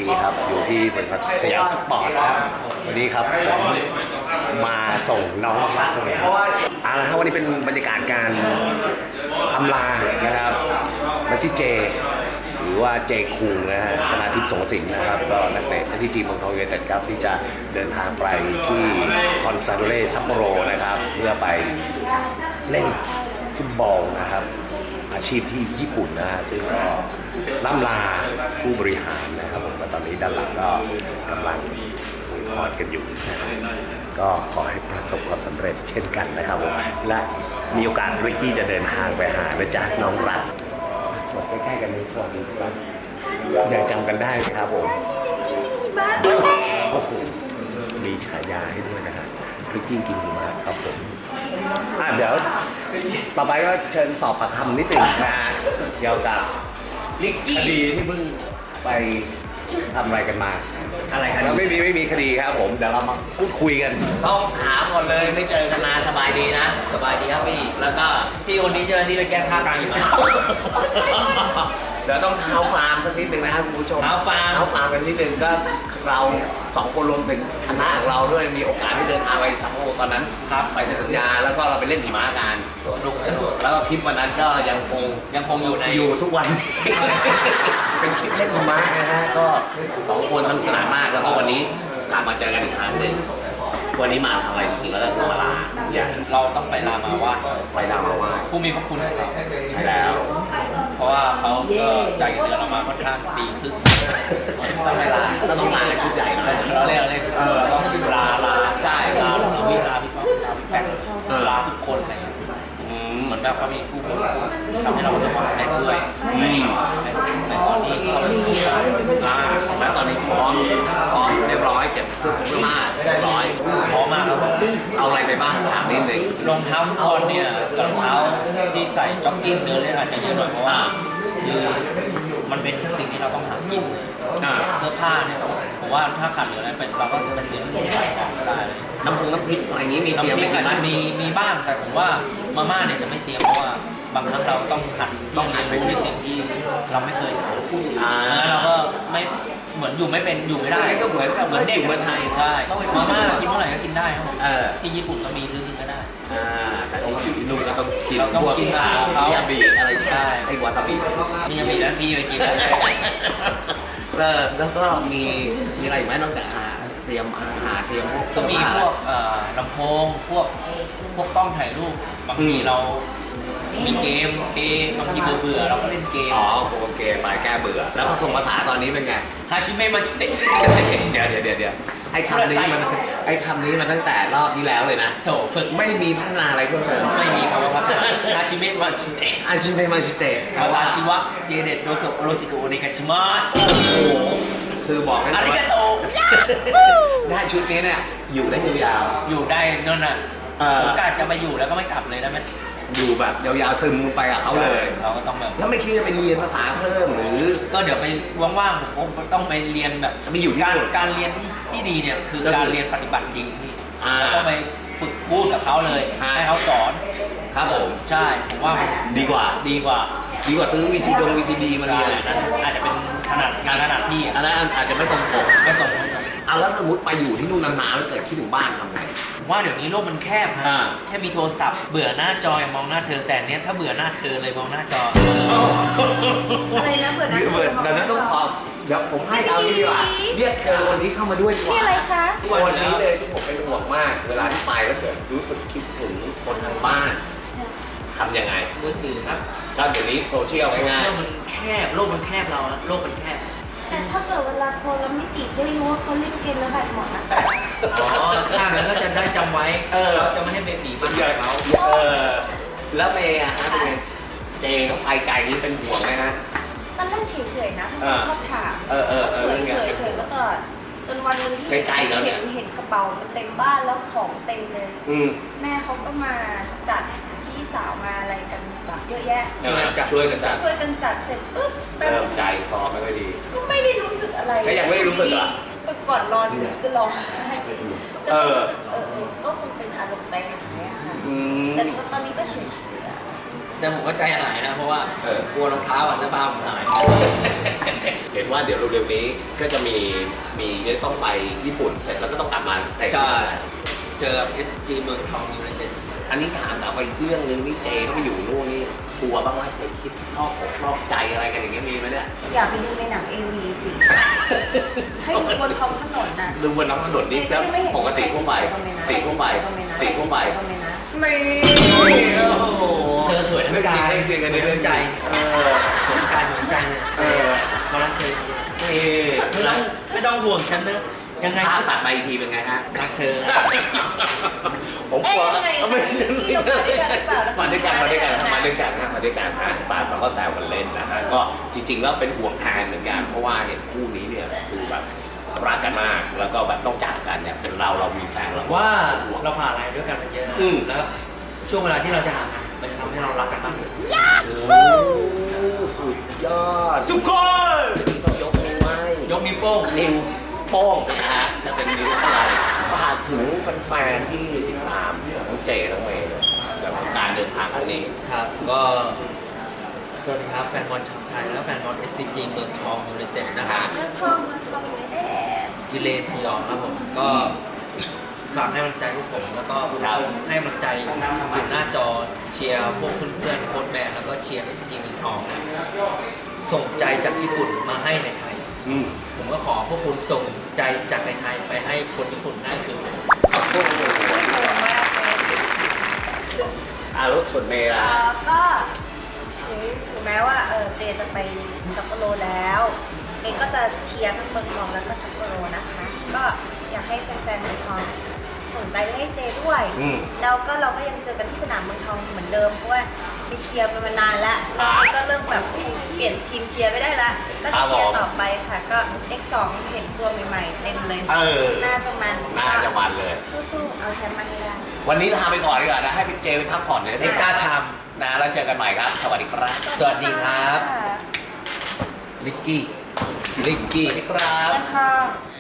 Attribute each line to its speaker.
Speaker 1: ทีครับอยู่ที่บริษัทสยามสปอร์ตนะครับวันนี้ครับผมมาส่งน้องรักเลยครับเอาละครับวันนี้เป็นบรรยากาศการอำลานะครับเมสซี่เจหรือว่าเจคุงนะฮะชนาทิพย์สงสินนะครับก็นักเตะ SCG เมืองทองยูไนเต็ดครับที่จะเดินทางไปที่คอนซาโดเร่ซัปโปโรนะครับเพื่อไปเล่นฟุตบอลนะครับอาชีพที่ญี่ปุ่นนะฮะซึ่งก็ล่ำลาผู้บริหารนะครับผมตอนนี้ด้านหลังก็กำลังคุยคอร์ดกันอยู่นะครับก็ขอให้ประสบความสำเร็จเช่นกันนะครับผมและมีโอกาสริกกี้จะเดินทางไปหานะจ๊ะน้องรักสวัสดีใกล้ๆกันนี้สวัสดีครับยังจำกันได้ไหมครับผมโอ้โหมีฉายาให้ด้วยนะฮะริกกี้กินหิมะครับผมเดี๋ยวต่อไปก็เชิญสอบปากคำนิดหนึ่งนะเกี่ยวกับคดีที่เพิ่งไปทำอะไรกันมาอะไรกันไม่มีคดีครับผมเดี๋ยวเรามาพูดคุยกันต้องถามก่อนเลยไม่เจอกันนานสบายดีนะ
Speaker 2: สบายดีครับพี่แล้วก็พี่คนนี้ใช่ไหมที่ไปแก้ผ้ากลางหิมะ
Speaker 1: เดี๋ยวต้องเท้าฟาร์มสักนิดหนึ่งนะครับคุณผู้ชมเท้าฟาร์มกันนิดหนึ่งก็เราสองคนรวมถึงคณะของเราด้วยมีโอกาสได้เดินทางไปซัปโปโรตอนนั้นครับไปเซ็นสัญญาแล้วก็เราไปเล่นหิมะกันสนุกแล้วก็คลิปวันนั้นก็ยังคงอยู่ทุกวัน เป็นคลิปเล่นหิมะนะฮะก็สองคนสนุกสนานมากแล้วก็วันนี้กลับมาเจอกันอีกครั้งหนึ่งวันนี้มาทำอะไรจริงๆแล้วก็คือมาลา
Speaker 2: เราต้องไปลามาว่าผู้มีพระคุณของเรา
Speaker 1: ใช่แล้ว
Speaker 2: เพราะว่าเขาก็จ่ายเงินเดือนเรามาค่อนข้างดีขึ้น
Speaker 1: ต้องไปลาแล้วต้องลาชุดใหญ่หน่อย
Speaker 2: เราเรียกต้องลาใช่ลาพี่แป๊กลาทุกคนอะไรเหมือนแบบเขามีผู้ทำให้เราประสบความสำเร็จด้วยในตอนนี้
Speaker 1: แล้วตอนนี้พร้อมเรียบร้อยเก็บชุดผมมาเรียบร้อย
Speaker 2: พร้อมมากครับ
Speaker 1: เอาอะไรไปบ้างถามนิดนึง
Speaker 2: รองเท้าฟุตบอลเนี่ยกับรองเท้าที่ใส่จ็อกกิ้งเดินเล่นอาจจะเยอะหน่อยเพราะว่าคือมันเป็นสิ่งที่เราต้องหากินเสื้อผ้าเนี่ยผมว่าถ้าขาดเหลืออะไรเป็นเราก็จะไปซื้อที่ขายของได้
Speaker 1: น้ำพริกอะไรอย่างนี้มีเตรียมไหม
Speaker 2: มีบ้างแต่ผมว่ามาม่าเนี่ยจะไม่เตรียมเพราะว่าบางครั้งเราต้องหัดที่เรียนรู้ในสิ่งที่เราไม่เคยทำแล้วเราก็ไม่เหมือนอยู่ไม่ได้
Speaker 1: ก็เหมือนเด็กเหมือนไทย
Speaker 2: ใช่มาม่ากินเท่าไหร่ก็กินได้ครับที่ญี่ปุ่นก็มีซื้อกินก็ได้
Speaker 1: แต่ที่นู่นก็ต้องกิน
Speaker 2: พวกมิ
Speaker 1: ยาบิอะไรใช่ไอ้วาซาบิ
Speaker 2: มิยาบิแล้วพี่ไปกิน
Speaker 1: แล้วก็มีอะไรไหมนอกจากเตรียมอาหารเตรียมพวก
Speaker 2: ก็มีพวกลำโพงพวกกล้องถ่ายรูปบางทีเรามีเกมบางทีเบื่อเราก็เล่นเกม
Speaker 1: โปรเกมไปแก้เบื่อแล้วผสมภาษาตอนนี้เป็นไง
Speaker 2: ฮาชิเมะมาชิเตะ
Speaker 1: เดี๋ยวไอ้คำนี้มันตั้งแต่รอบที่แล้วเลยนะ
Speaker 2: โถฝึก
Speaker 1: ไม่มีพัฒนาอะไรเพิ่มเติม
Speaker 2: ไม่มีคำว่าพัฒนาฮาชิเมะมาชิเตะวาตาชิวะเจเดตโดโซโรชิโกโอเนกาชิมัสโอ้โห
Speaker 1: คือบอกให้
Speaker 2: อาริกาโต
Speaker 1: ได้ชุดนี้เนี่ยอยู่ได้ยาว
Speaker 2: ๆอยู่ได้นั่นน่ะผมกะจะไปอยู่แล้วก็ไม่กลับเลยได้ไหม
Speaker 1: อยู่แบบยาวๆซึมไปกับเขาเลย
Speaker 2: เราก็ต้องแบบ
Speaker 1: แล้วไม่คิดจะไปเรียนภาษาเพิ่มหรือ
Speaker 2: ก็เดี๋ยวไปว่างๆผมต้องไปเรียนแบบ
Speaker 1: มีอยู่
Speaker 2: การเรียนที่ดีเนี่ยคือการเรียนปฏิบัติจริงที่ต้องไปฝึกพูดกับเขาเลยให้เขาสอน
Speaker 1: ครับผม
Speaker 2: ใช่ผมว่า
Speaker 1: ดีกว่าซื้อ VCD มาเรียน
Speaker 2: อาจจะเป็นงานถนัดที่
Speaker 1: อันนั้นอาจจะไม่ตรงปกเอาแล้วสมมติไปอยู่ที่นู่นนานๆแล้วเกิดคิดถึงบ้านทำไง
Speaker 2: ว่าเดี๋ยวนี้โลกมันแคบฮะแค่มีโทรศัพท์เบื่อหน้าจอมองหน้าเธอแต่เนี้ยถ้าเบื่อหน้าเธอเลยมองหน้าจอ
Speaker 3: อะไรนะเบื่อหน้า
Speaker 1: เดี๋ยวนั้นต้องขอเดี๋ยวผมให้เอาดีกว่าเรียกเธอวันนี้เข้ามาด้วยดีกว่า
Speaker 3: ที่อะไรคะ
Speaker 1: วันนี้เลยที่ผมเป็นห่วงมากเวลาที่ไปแล้วเกิดรู้สึกคิดถึงคนทางบ้านทำยังไง
Speaker 2: มือถือครับ
Speaker 1: ก็เดี๋ยวนี้โซเชียลง่าย
Speaker 2: ๆมันแคบโลกมันแคบเราโลกมันแคบ
Speaker 3: แต่ถ้าเกิดเวลาโทรแล้วไม่ติดได้รู้ว่าเขาเล่นเกมแล้วแบตหมดนะ
Speaker 2: ถ้างั้นก็จะได้จำไว้เราจะไม่ให้เบบีมาเจอเขา
Speaker 1: แล้วเมย์ฮะเป็นไงเจกับไปไกลนี้เป็นห่วงไหมฮะ
Speaker 3: ตอนแรกเฉยๆนะชอบถามเฉยๆแล้วก็จนวันนึงที่เห็นกระเป๋าเต็มบ้านแล้วของเต็มเลยแม่เขาก็มาจัดพี่สาวมาอะไรกันแบบเยอะแยะ
Speaker 1: ช่วยกันจัด
Speaker 3: เสร็จปุ๊บ
Speaker 1: ใจคอไม่ค่อยดี
Speaker 3: ก็ไม่ได้รู้สึกอะไร
Speaker 1: ก็ยังไม่ได้รู้สึกเหรอ
Speaker 3: ก่อนนอนก็ร้องไห้ก็คงเป็นอารมณ์ใจอย่างเงี้ยค่ะแต่ตอนนี้ก็เฉยๆ
Speaker 2: แต่ผมก็ใจหายนะเพราะว่ากลัวรองเท้าเสื้อผ้าผมหาย
Speaker 1: เห็นว่าเดี๋ยวเร็วๆนี้ก็จะมีต้องไปญี่ปุ่นเสร็จแล้วก็ต้องกลับมาแต่
Speaker 2: ใช่เจอ SG เมืองทองยูไนเต็ด
Speaker 1: อันนี้ถามไปเรื่องนึงนี่เจเขาไปอยู่นู่นนี่กลัวบ้างไหมเคยคิดนอกใจอะไรกันอย่างเงี้ยมีไหมเนี่ย
Speaker 3: อยากไปดูในหนัง AV สิ ให้ดูบนท้องถนนน่ะ
Speaker 1: ดูบนท้องถนนนี่ก็ปกติทั่วไปนี่
Speaker 2: เธอสวยทั้งกายสวยทั้งใจสวยทั้งกายสวยทั้งใจมารักเธอไม่ต้องห่วงฉันนะยังไง
Speaker 1: ถ้าตัดไปอีกทีเป็นไงฮะ
Speaker 2: รักเธอ
Speaker 1: ผมกลัว
Speaker 3: ไม่
Speaker 1: มาด้วยกันป่าเราก็แซวกันเล่นนะฮะก็จริงๆแล้วเป็นห่วงแทนเหมือนกันเพราะว่าเนี่ยคู่นี้เนี่ยคือแบบรักกันมากแล้วก็แบบต้องจากกันเนี่ยเป็นเรามีแฟนเรา
Speaker 2: ว่าเราผ่านอะไรด้วยกันมาเยอะแล้วช่วงเวลาที่เราจะห่างกันมันจะทำให้เรารักกันมากขึ้น
Speaker 1: โอ้สุดยอด
Speaker 2: สุโขย
Speaker 1: นี่ต้องยกนิ้วไหว้
Speaker 2: ยกนิ้วโป้ง
Speaker 1: นิ้วโป้งนะฮะจะเป็นนิ้วอะไรฝากถึงแฟนๆที่ติดตามทั้งเจทั้งเมย์เลยกับการเดินทางครั้งนี้
Speaker 2: ครับก็สวัสดีครับแฟนบอลชาวไทยและแฟนบอล SCG เมืองทองยูไนเต็ดนะฮะ
Speaker 3: เรื่องทองไม่ได้
Speaker 2: กิเลนพยองครับผมก็ฝากให้กำลังใจพวกผมแล้วก็ให้กำลังใจอยู่หน้าจอเชียร์พวกเพื่อนๆโค้ชแมนแล้วก็เชียร์ SCG เมืองทองส่งใจจากญี่ปุ่นมาให้ในไทยผมก็ขอพวกคุณส่งใจจากในไทยไปให้คนญี่ปุ่นได้คือ
Speaker 1: รถส่วนเมย์ล่ะ
Speaker 3: ก็ถึงแม้ว่าเจจะไปซัปโปโรแล้วเองก็จะเชียร์ทั้งเมืองทองแล้วก็ซัปโปโรนะคะ ก็อยากให้แฟนๆเมืองทองสนใจให้เจด้วย แล้วก็เราก็ยังเจอกันที่สนามเมืองทองเหมือนเดิมเพราะว่าไปเชียร์มานานแล้วเราก็เริ่มแบบเปลี่ยนทีมเชียร์ไม่ได้ละก็จะเชียร์ต่อไปค่ะ ก็ X2 เห็นตัวใหม่ๆเต็มเลยน่าจะมัน
Speaker 1: เลย
Speaker 3: สู้ๆเอาแชมป์มาให้ได้
Speaker 1: วันนี้ลาไปก่อนดีกว่านะให้พี่เจไปพักผ่อนเลย
Speaker 2: เอ็กซ์กล้าท
Speaker 1: นะแล้วเจอกันใหม่ครับสวัสดีครับ
Speaker 2: สวัสดีครับ ลิกกี้
Speaker 1: สวัสดีครับ
Speaker 3: ค่ะ